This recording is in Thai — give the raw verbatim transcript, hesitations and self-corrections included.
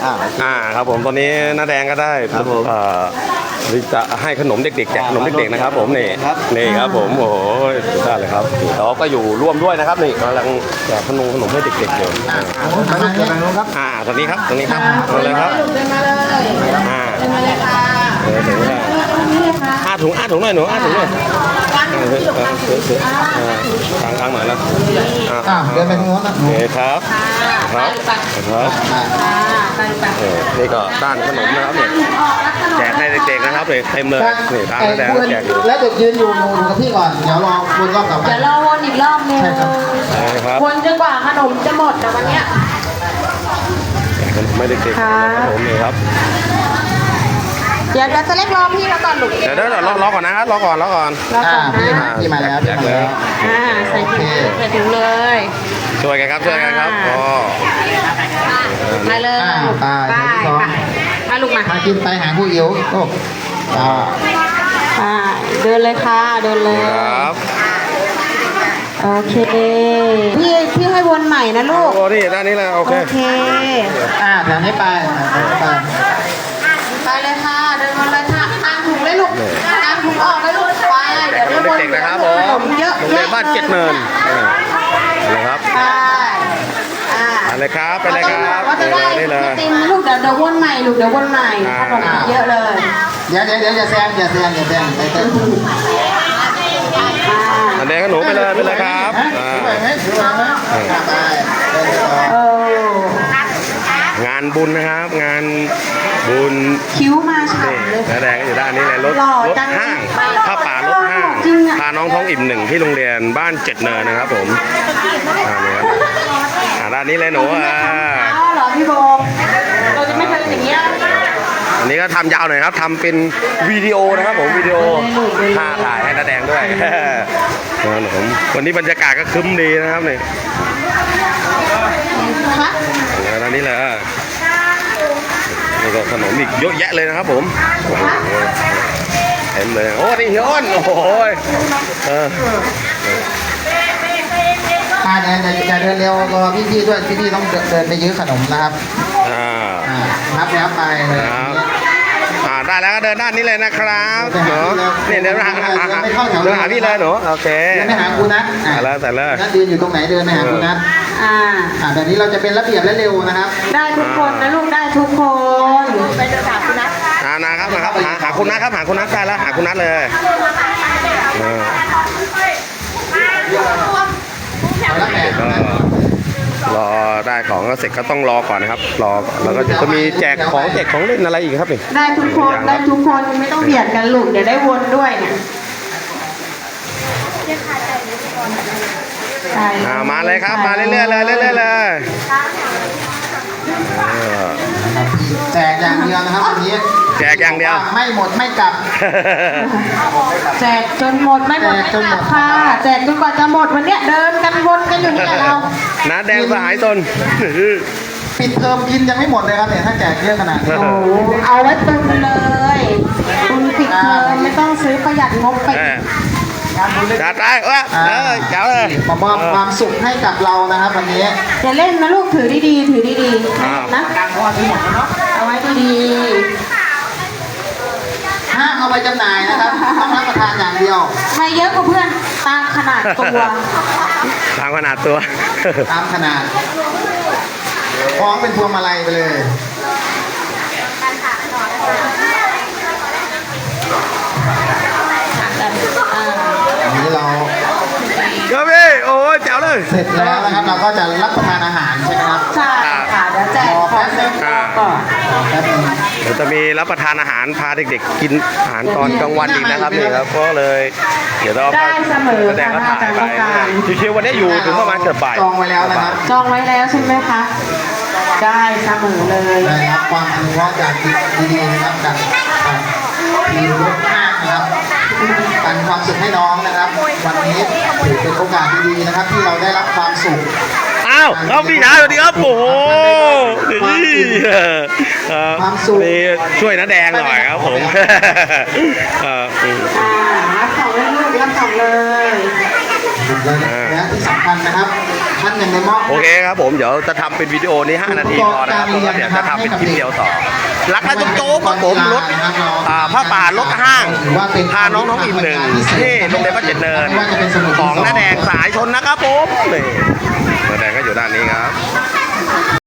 อ่าอ่าครับผมตอนนี้น้าแดงก็ได้เอ่อจะให้ขนมเด็กๆแจกขนมเด็กๆนะครับผมนี่นี่ครับผมโอ้โหสุดยอดเลยครับเราก็อยู่ร่วมด้วยนะครับนี่กำลังแจกขนมขนมให้เด็กๆอยู่อ่าอ่าตรงนี้ครับตรงนี้ครับมาเลยครับอ่าเดินมาเลยค่ะห้าถุงห้าถุงหน่อยหนูห้าถุงหน่อยทางทางหน่อยแล้วอ่าเดินไปทางโน้นนะโอเคครับครับครับนี่ก็ด้านขนมนะครับเนี่ยแจกให้เด็กๆนะครับเลยเต็มเลยนี่ทางแดงแจกแล้วเด็กยืนอยู่หนูกับพี่ก่อนเดี๋ยวรอวนรอบกลับมาเดี๋ยวรอวนอีกรอบนึงวนจนกว่าขนมจะหมดนะวันเนี้ยขนมไม่เด็กๆครับผมนี่ครับเดี๋ยวจะเล็กรอพี่เราก่อนหนุกเดี๋ยวเดี๋ยวรอรอก่อนนะครับรอก่อนรอก่อนอ่าพี่มาพี่มาแล้วพี่มาแล้วอ่าใส่ถุงใส่ถุงเลยช่วยกันครับช่วยกันครับอ๋อมาเลยไปไปมาลูกมามากินไปหาผู้อิ๋วโอ้อ่าอ่าเดินเลยค่ะเดินเลยครับโอเคพี่พี่ให้วนใหม่นะลูกโอ้นี่ด้านนี้เลยโอเคโอเคอ่าแถวนี้ไปไปไปเลยค่ะเดินมาเลยค่ะตามถุงเลยลูกตามถุงออกเลยลูกไปเดี๋ยวเด็กๆนะครับผมเยอะโรงเรียนบ้านเจ็ดเนินเลยครับไปไปเลยครับไปเลยครับว่าจะได้ติมลูกเดี๋ยวเดี๋ยววนใหม่ลูกเดี๋ยววนใหม่ขนมเยอะเลยเดี๋ยวเดี๋ยวเดี๋ยวอย่าแซงอย่าแซงอย่าแซงไปเต้นอันนี้ก็หนูไปเลยไปเลยครับงานบุญนะครับงานบุญคิ้วมาฉ่ำเลยแดงก็อยู่ด้านนี้เลยรถรถห้างผ้าป่ารถห้างพาน้องท้องอิ่มหนึ่งที่โรงเรียนบ้านเจ็ดเนินนะครับผมอ่าเนี่ยด้านนี้เลยหนูอ่าเหรอพี่โบเราจะไม่ทำอย่างเงี้ยอันนี้ก็ทำยาวหน่อยครับทำเป็นวิดีโอนะครับผมวิดีโอถ่ายถ่ายให้น้าแดงด้วยผมวันนี้บรรยากาศก็คึ้มดีนะครับนี่อันนี้แหละนี่ก็ขนมอีกเยอะแยะเลยนะครับผมเต็มเลยโอ้นี่เฮียอ้นโอ้โหเอออ่าเดินอย่าเดินเร็วรอพี่ๆด้วยพี่ๆต้องเดินไปยื้อขนมนะครับอ่านับแล้วไปเลยอ่าได้แล้วก็เดินด้านนี้เลยนะครับเนาะนี่เดินมาหาเดินหาพี่เลยหนูโอเคเดินไปหาคุณนัทแล้วแต่เลยนัทยืนอยู่ตรงไหนเดินไปหาคุณนัทอ่าอ่าแบบนี้เราจะเป็นระเบียบและเร็วนะครับได้ทุกคนนะลูกได้ทุกคนไปเดินหาคุณนัทอ่านะครับนะครับหาหาคุณนัทครับหาคุณนัทได้แล้วหาคุณนัทเลยรอได้ของก็เสร็จก็ต้องรอก่อนนะครับรอแล้วก็จะมีแจกของแจกของเล่นอะไรอีกครับนี่ได้ทุกคนได้ทุกคนไม่ต้องเบียดกันลูกเดี๋ยวได้วนด้วยเนี่ยมาเลยครับมาเรื่อยๆเลยเรื่อยๆเลยแจกอย่างเดียวนะครับวันนี้แจกอย่างเดียวไม่หมดไม่กลับแจกจนหมดไม่หมดไม่กลับค่ะแจกจนกว่าจะหมดวันนี้เดินกันวนกันอยู่นี่แหละเราน้าแดงสหายตนปิดเทอมกินยังไม่หมดเลยครับเนี่ยถ้าแจกเยอะขนาดนี้โอ้เอาไว้ตุนเลยตุนปิดเทอมไม่ต้องซื้อประหยัดงบไปจัดได้เออเออเจ๋วเลยมามอบความสุขให้กับเรานะครับวันนี้อย่าเล่นนะลูกถือดีๆถือดีๆนะเอาไว้ดีๆห้ามเอาไปจำหน่ายนะครับต้องรับประทานอย่างเดียวไม่เยอะกว่าเพื่อนตามขนาดตัวตามขนาดตัวตามขนาดคล้องเป็นพวงมาลัยไปเลยนี้เราก็พี่โอ้ยเจ๋วเลยเสร็จแล้วนะครับเราก็จะรับประทานอาหารใช่ไหมครับใช่ค่ะเดี๋ยวแจกของเสร็จก่อนเดี๋ยวจะมีรับประทานอาหารพาเด็กๆกินอาหารตอนกลางวันอีกนะครับนี่ครับก็เลยเดี๋ยวเราได้เสมอแสดงว่าถ่ายไปชิวๆวันนี้อยู่ถึงประมาณเกือบบ่ายจองไว้แล้วนะครับจองไว้แล้วใช่ไหมคะได้เสมอเลยได้รับความอนุเคราะห์จากดีๆนะครับจากทีมรถห้างนะครับการความสุขให้น้องนะครับวันนี้ถือเป็นโอกาสดีๆนะครับที่เราได้รับความสุขอ้าวเอาพี่ชายสวัสดีครับโอ้โหนี่ความสุขช่วยน้าแดงหน่อยครับผมรับของเลยลูกรับของเลยและที่สำคัญนะครับท่านหนึ่งในมอบโอเคครับผมเดี๋ยวจะทำเป็นวิดีโอนี้ห้านาทีพอนะครับแล้วก็เดี๋ยวจะทำเป็นคลิปเดียวต่อรักและจุ๊บจุ๊บครับผมรถอ่าผ้าป่ารถห้างพาน้องน้องอิ่มหนึ่งที่โรงเรียนวัดเจ็ดเนินของน้าแดงสายชนนะครับผมนี่น้าแดงก็อยู่ด้านนี้ครับ